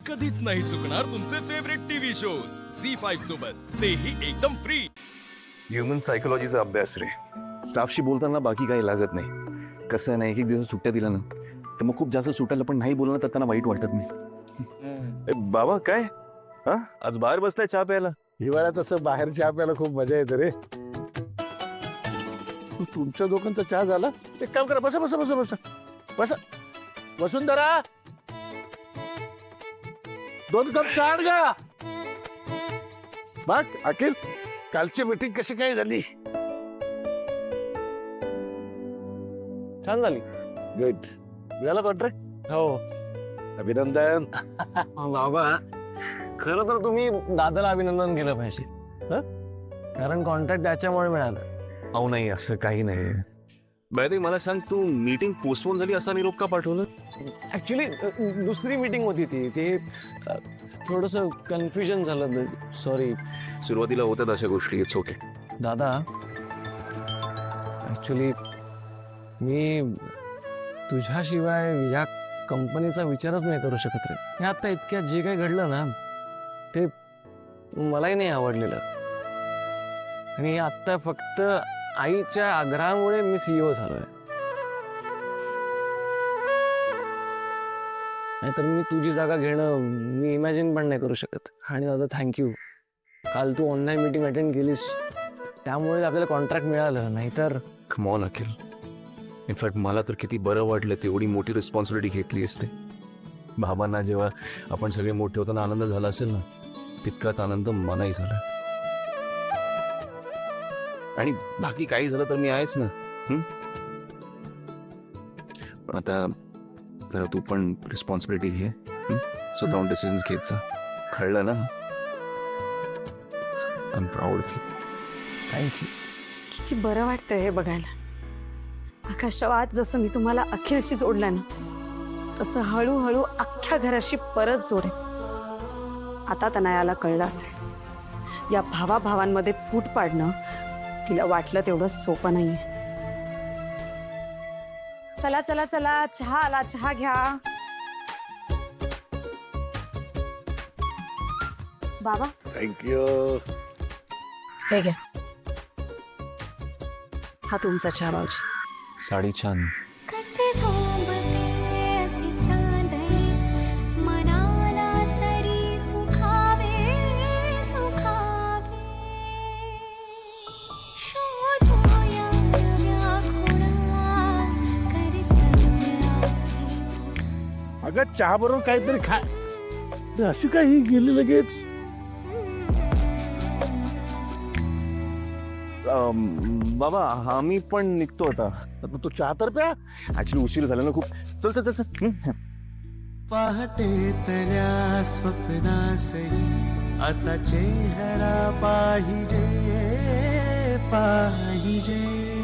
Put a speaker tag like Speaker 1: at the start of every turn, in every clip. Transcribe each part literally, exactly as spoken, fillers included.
Speaker 1: कधीच नाही चुकणार तुमचे favourite TV shows C five सोबत, तेही एकदम फ्री.
Speaker 2: ह्युमन सायकोलॉजीचा अभ्यास रे. स्टाफशी बोलताना बाकी काही लागत नाही. कसं नाही, एक एक दिवस सुट्ट्या दिल्या ना तर मग खूप जास्त सुटायला पण नाही बोलणं तर त्यांना वाईट वाटत नाही. ए, बाबा काय हा आज बाहेर बसलाय चहा प्यायला?
Speaker 3: हिवाळ्यात असं बाहेर चहा प्यायला खूप मजा येते रे. तू- तुमच्या दोघांचा चहा झाला? एक काम करा, बसा बसा बसा बसा बसा. वसुंधरा, दोन कप चहा आण गा. बघ अखिल, कालची मीटिंग कशी काय झाली?
Speaker 4: छान झाली.
Speaker 3: गुड. मिळाला कॉन्ट्रॅक्ट?
Speaker 4: हो
Speaker 3: अभिनंदन.
Speaker 4: बाबा, खरं तर तुम्ही दादाला अभिनंदन केलं पाहिजे.
Speaker 3: हं?
Speaker 4: कारण कॉन्ट्रॅक्ट त्याच्यामुळे मिळालं.
Speaker 2: अहो नाही, असं काही नाही. बाय मला सांग, तू मीटिंग पोस्टपोन झाली असा निरोप का पाठवलं?
Speaker 4: ऍक्च्युली दुसरी मीटिंग होती ती ते थोडस कन्फ्युजन झालं. सॉरी
Speaker 2: सुरुवातीला होत्यात अशा गोष्टी. It's okay.
Speaker 4: दादा. ऍक्च्युली मी तुझ्याशिवाय या कंपनीचा विचारच नाही करू शकत रे. हे आता इतक्यात जे काही घडलं ना ते मलाही नाही आवडलेलं. आणि आता फक्त आईच्या आग्रहामुळे मी सीईओ झालोय. नाहीतर मी तुझी जागा घेणं मी इमॅजिन पण नाही करू शकत. आणि दादा थँक्यू. काल तू ऑनलाईन मीटिंग अटेंड केलीस त्यामुळे आपल्याला कॉन्ट्रॅक्ट मिळालं. नाहीतर
Speaker 2: कम ऑन अखिल. इनफॅक्ट मला तर किती बरं वाटलं, तेवढी मोठी रिस्पॉन्सिबिलिटी घेतली असते. बाबांना जेव्हा आपण सगळे मोठे होताना आनंद झाला असेल ना, तितकाच आनंद मलाही झाला. आणि बाकी काही झालं तर मी आहेच ना. हं? पण आता जरा तू पण रिस्पॉन्सिबिलिटी घे. स्वतःहून डिसिजन्स घेत जा. कळलं ना? I am proud of you.
Speaker 4: Thank you.
Speaker 5: किती बरं वाटतंय हे बघायला. आकाशच्या आज जसं मी तुम्हाला अखिलशी जोडलं ना, तसं हळूहळू अख्ख्या घराशी परत जोडे. आता तनयाला कळलं असेल, या भावा भावांमध्ये फूट पाडणं तिला वाटलं तेवढं सोपं नाहीये. चला चला चला, चहा आला, चहा घ्या. बाबा
Speaker 3: थँक्यू.
Speaker 5: हे घ्या, हा तुमचा चहा. बाबूजी
Speaker 2: साडी छान.
Speaker 6: कसे झोंबते अशी चांदणी, मनाला तरी सुखावे सुखावे. शोधूया व्याकुळा कर्तव्याची.
Speaker 3: अगं चहा बरोबर काहीतरी खा. अरे, अशी काय ही गेली लगेच?
Speaker 2: बाबा आम्ही पण निघतो आता.
Speaker 3: मग तू चहा तर प्या.
Speaker 2: ऍक्च्युली उशीर झाला ना खूप. चल चल चल चल. हं?
Speaker 7: पहाटेतल्या स्वप्नासही आता चेहरा पाहिजे पाहिजे.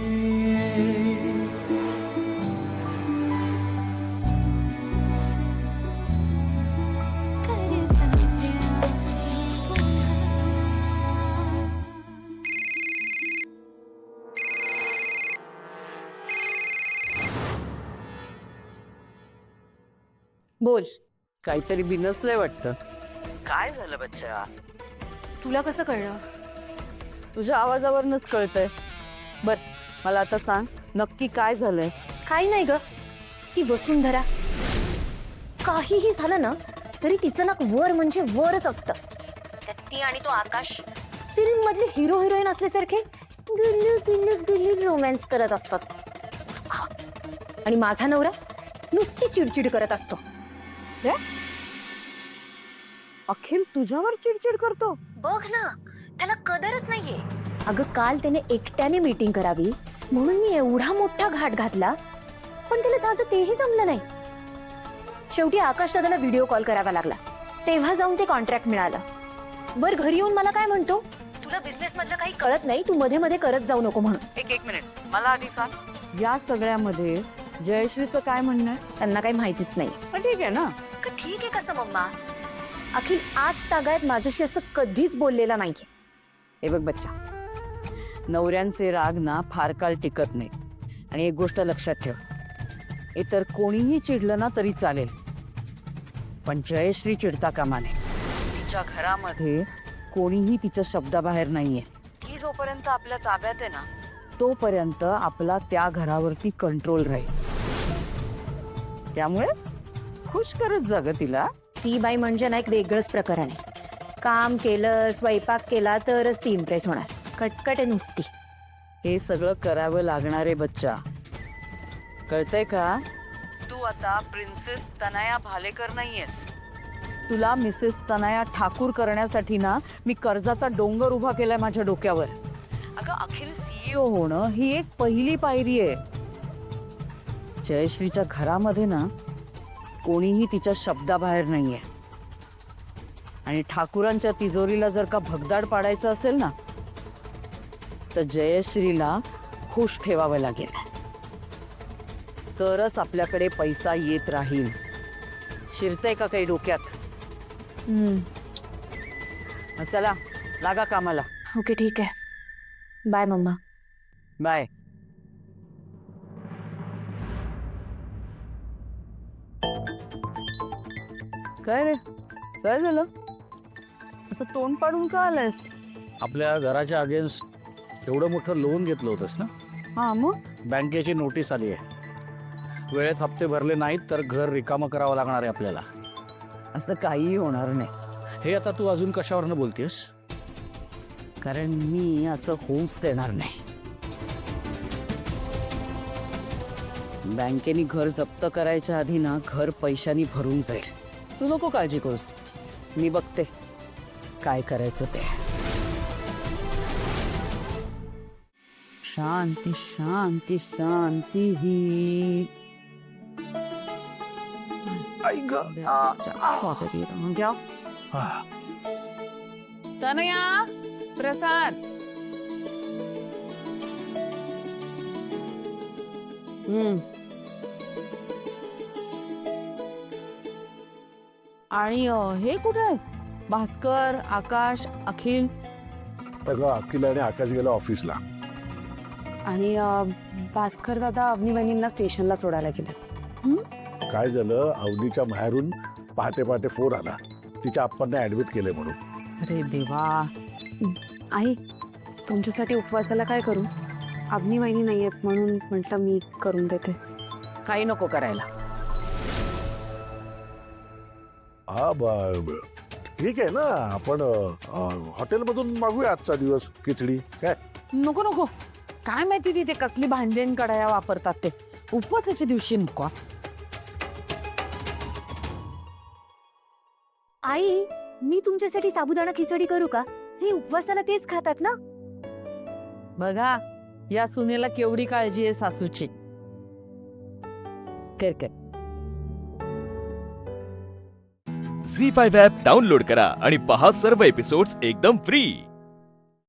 Speaker 5: बोल. काहीतरी बिनसलंय वाटतं.
Speaker 8: काय झालं बच्चा?
Speaker 5: तुला कसं कळलं?
Speaker 8: तुझ्या आवाजावरूनच कळतंय. बर मला आता सांग, नक्की काय झालंय?
Speaker 9: काही नाही ग. ती वसुंधरा काहीही झालं ना तरी तिचं नाक वर म्हणजे वरच असतं. त्यात ती आणि तो आकाश फिल्म मधले हिरो हिरोईन असल्यासारखे गुल्लू गुल्लू गुल्लू रोमॅन्स करत असतात. आणि माझा नवरा नुसती चिडचिड करत असतो.
Speaker 8: अखिल तुझ्यावर चिडचिड करतो?
Speaker 9: बघ ना, त्याला कदरच नाहीये. अगं काल त्याने एकट्याने मीटिंग करावी म्हणून मी एवढा मोठा घाट घातला, पण त्याला जायचं तेही जमलं नाही. शेवटी आकाश दादाला व्हिडिओ कॉल करावा लागला. तेव्हा जाऊन ते कॉन्ट्रॅक्ट मिळालं. वर घरी येऊन मला काय म्हणतो, तुला बिझनेस मधलं काही कळत नाही, तू मध्ये मध्ये करत जाऊ नको म्हणून.
Speaker 8: एक एक मिनिट, मला आधी सांग, या सगळ्यामध्ये जयश्रीचं काय म्हणणं आहे?
Speaker 9: त्यांना काही माहितीच नाही.
Speaker 8: पण ठीक आहे ना.
Speaker 9: का ठीक आहे कसं मम्मा? अखिल आज तागायत माझ्याशी असं कधीच बोललेला नाहीये.
Speaker 8: हे बघ बच्चा, नवऱ्यांचे राग ना फार काळ टिकत नाही. आणि एक गोष्ट लक्षात ठेव, इतर कोणीही चिडलं ना तरी चालेल, पण जयश्री चिडता कामा नये. तिच्या घरामध्ये कोणीही तिच्या शब्दाबाहेर नाहीये. ती जोपर्यंत आपल्या ताब्यात आहे ना तोपर्यंत आपला त्या घरावरती कंट्रोल राहील. त्यामुळे खुश करत जा ग तिला.
Speaker 9: ती बाई म्हणजे ना एक वेगळंच प्रकरण आहे. काम केलं स्वयंपाक केला तरच ती इम्प्रेस होणार. कटकट आहे नुसती.
Speaker 8: हे सगळं करावं लागणार आहे बच्चा, कळतंय का? तू आता प्रिन्सेस तनया भालेकर नाहीयेस. तुला मिसेस तनया ठाकूर करण्यासाठी ना मी कर्जाचा डोंगर उभा केलाय माझ्या डोक्यावर. अगं अखिल सीईओ होणं ही एक पहिली पायरी आहे. जयश्रीच्या घरामध्ये ना कोणीही तिच्या शब्दाबाहेर नाहीये. आणि ठाकूरांच्या तिजोरीला जर का भगदाड पाडायचं असेल ना तर जयश्रीला खुश ठेवावं लागेल. तरच आपल्याकडे पैसा येत राहील. शिरतंय का काही डोक्यात? मग चला लागा कामाला.
Speaker 9: ओके ठीक आहे. Bye mamma.
Speaker 8: बाय. काय रे, काय झालं? असं तोंड पाडून का आलायस?
Speaker 3: आपल्या घराच्या अगेन्स्ट एवढं मोठं लोन घेतलं होतंस ना,
Speaker 8: हा मग
Speaker 3: बँकेची नोटीस आली आहे. वेळेत हप्ते भरले नाहीत तर घर रिकामं करावं लागणार आहे आपल्याला.
Speaker 8: असं काहीही होणार नाही.
Speaker 3: हे आता तू अजून कशावरनं बोलतेस?
Speaker 8: कारण मी असं होऊच देणार नाही. बँकेने घर जप्त करायच्या आधी ना घर पैशानी भरून जाईल. तू नको काळजी करूस, मी बघते काय करायचं ते. शांती शांती शांती ही तनया प्रसाद. हम्म आणि अं, हे कुठे आहे? भास्कर, आकाश, अखिल.
Speaker 3: अगं अखिल आणि आकाश गेला ऑफिसला.
Speaker 9: आणि अं, भास्कर दादा अवनी बहिणींना स्टेशनला सोडायला गेले.
Speaker 3: काय झालं, अवनीच्या माहेरून पहाटे पहाटे फोन आला, तिच्या आप्पांना ऍडमिट केले म्हणून.
Speaker 8: अरे देवा.
Speaker 5: आई तुमच्यासाठी उपवासाला काय करू? अग्नी वहिनी नाही आहेत म्हणून म्हटलं मी करून देते.
Speaker 8: काही नको करायला.
Speaker 3: हा ब- ठीक आहे ना, आपण हॉटेलमधून मागूया आजचा दिवस खिचडी. काय
Speaker 8: नको नको, काय माहिती तिथे कसली भांडेन कडाया वापरतात ते. उपवासाच्या दिवशी नको.
Speaker 9: आई मी तुमच्यासाठी साबुदाणा खिचडी करू का? हे उपवासाला तेच खातात ना.
Speaker 8: बघा या सुनेला केवढी काळजी आहे सासूची. कर कर.
Speaker 1: झी फाईव्ह ॲप डाउनलोड करा आणि पहा सर्व एपिसोड्स एकदम फ्री.